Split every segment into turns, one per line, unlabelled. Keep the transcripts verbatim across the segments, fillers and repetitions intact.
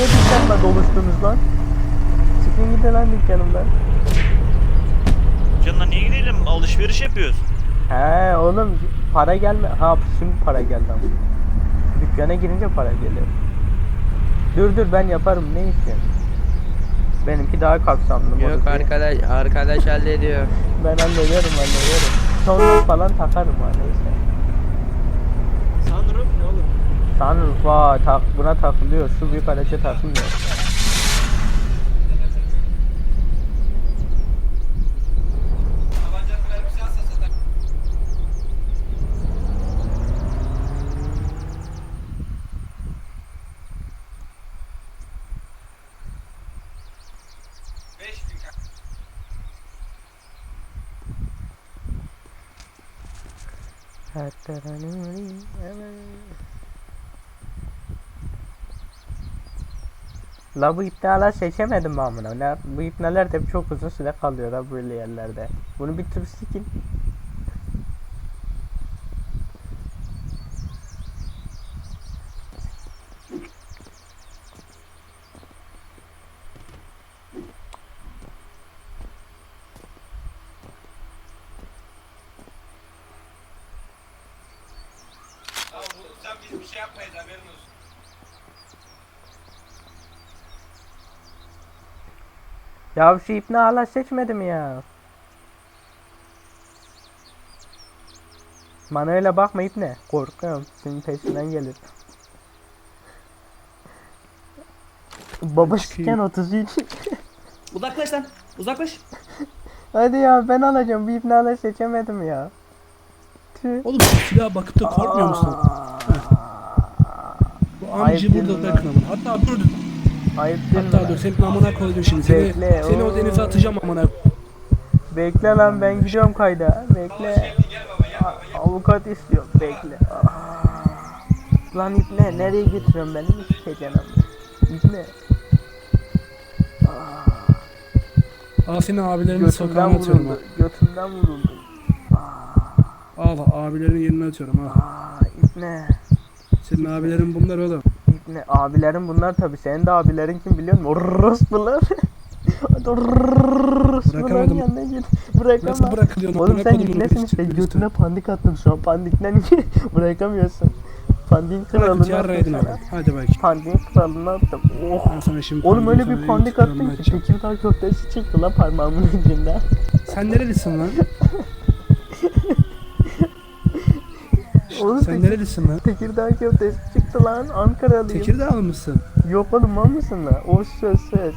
niye dükkanla doluştunuz lan? Çıkın gidin lan dükkanımdan.
Canına niye gidelim? Alışveriş yapıyoruz.
He oğlum para gelme. Ha şimdi para geldi ama. Dükkana girince para geliyor. Dur dur ben yaparım ne istiyorsun? Benimki daha kapsamlı.
Yok
modifiye.
arkadaş, arkadaş hallediyor.
Ben hallederim hallederim. Sunroof falan takarım ha neyse.
Sunroof ne oğlum?
Sunroof vay tak, buna takılıyor. Şu büyük araca takılmıyor.
Tabancanın mermisi alsa satar.
La bu ipneler seçemedim ben bunu. Ne, bu ipneler de hep çok uzun süre kalıyor ha böyle yerlerde. Bunu bir tür sikin.
Ya vurursan biz bir şey yapmayız haberin olsun.
Ya şu ipne hala seçmedim ya. Bana öyle bakma ipne. Korkuyorum. Senin peşinden gelir. Baba siken otuz üç.
Uzaklaş lan. Uzaklaş.
Hadi ya ben alacağım. Bu ipne hala seçemedim ya. Tüh.
Oğlum şu silaha bakıp da korkmuyor musun? Bu amcı
Ayıp
burada
değil mi
bırakın amına. Hatta dur dur.
Ayıp değil mi
Hatta
lan?
dur senin amına koydum şimdi. Seni,
Bekle,
seni o
oo.
denize atacağım amına.
Bekle lan ben gidiyorum kayda.
Hoş
Bekle.
geldin gel baba gel baba gel.
A- Avukat istiyor. Bekle. Aa. Lan ipne nereye götürüyorsun beni mi sikeceksin ama? İpne.
Al senin abilerinin sokağına
Götümden
atıyorum ha.
vuruldu. Götümden vuruldu.
Al abilerin yerine atıyorum ha.
Aa, ipne.
Senin abilerin bunlar oğlum.
İpne. Abilerin bunlar tabi. Senin de abilerin kim biliyor musun? Orospular. Orospuların
Bırakamadım.
yanına git. Bırakamam.
Nasıl bırakılıyorsun?
Oğlum
Amına
sen
kodumun
ipnesin
oğlu,
işte.
çıkıyorsun.
Götüne pandik attım şu an. Pandikten bırakamıyorsun. Pandik
Bırak
kralını
yarraydın
attım
abi.
sana.
Hadi bakayım.
Pandik kralını attım. Oh.
Ben sana şimdi
Oğlum öyle
pandemi
bir
sana
pandik
yuttururum,
attım ki
açacağım.
Tekirdağ köftesi çıktı lan parmağımın ucunda.
Sen nerelisin lan?
Oğlum
Sen
Tek-
nerelisin lan?
Tekirdağ köftesi çıktı lan Ankaralıyım.
Tekirdağlı mısın?
Yok oğlum mal mısın lan? O söz söz.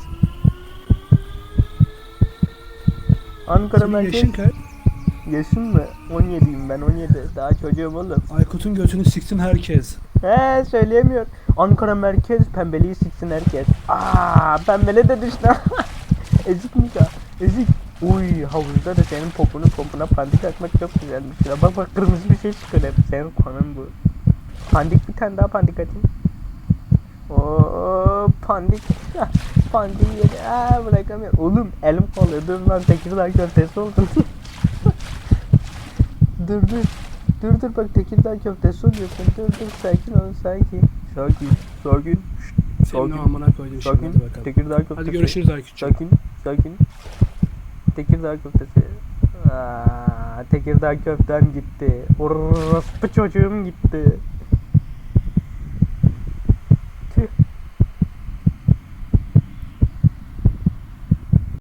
Ankara
Senin
merkez.
yaşın kaç?
Yaşın mı? on yediyim ben on yedi. Daha çocuğum oğlum.
Aykut'un götünü siksin herkes.
He söyleyemiyor. Ankara merkez pembeliği siksin herkes. Aa pembele de düştü. Ezik Nika. Ezik. Uy havuzda da senin popunu popuna pandik atmak çok güzelmiş. Ya bak bak kırmızı bir şey çıkıyor hep. Senin konun bu. Pandik bir tane daha pandik atayım. Oo pandik. Pandik yedi. Aa bırakamıyorum. Oğlum elim kalıyor. Dur lan Tekirdağ köftesi oldum. dur dur. Dur dur bak Tekirdağ köftesi oluyorsun. Dur dur sakin ol sakin. Sakin. Sakin. Şşt,
Senin
Sakin.
o amına koydum şimdi
Sakin.
hadi bakalım.
Tekirdağ köftesi.
Hadi görüşürüz Aykut'cum.
Sakin. Sakin. Tekirdağ köftesi. Aa, Tekirdağ köftem gitti. Orospu çocuğum gitti.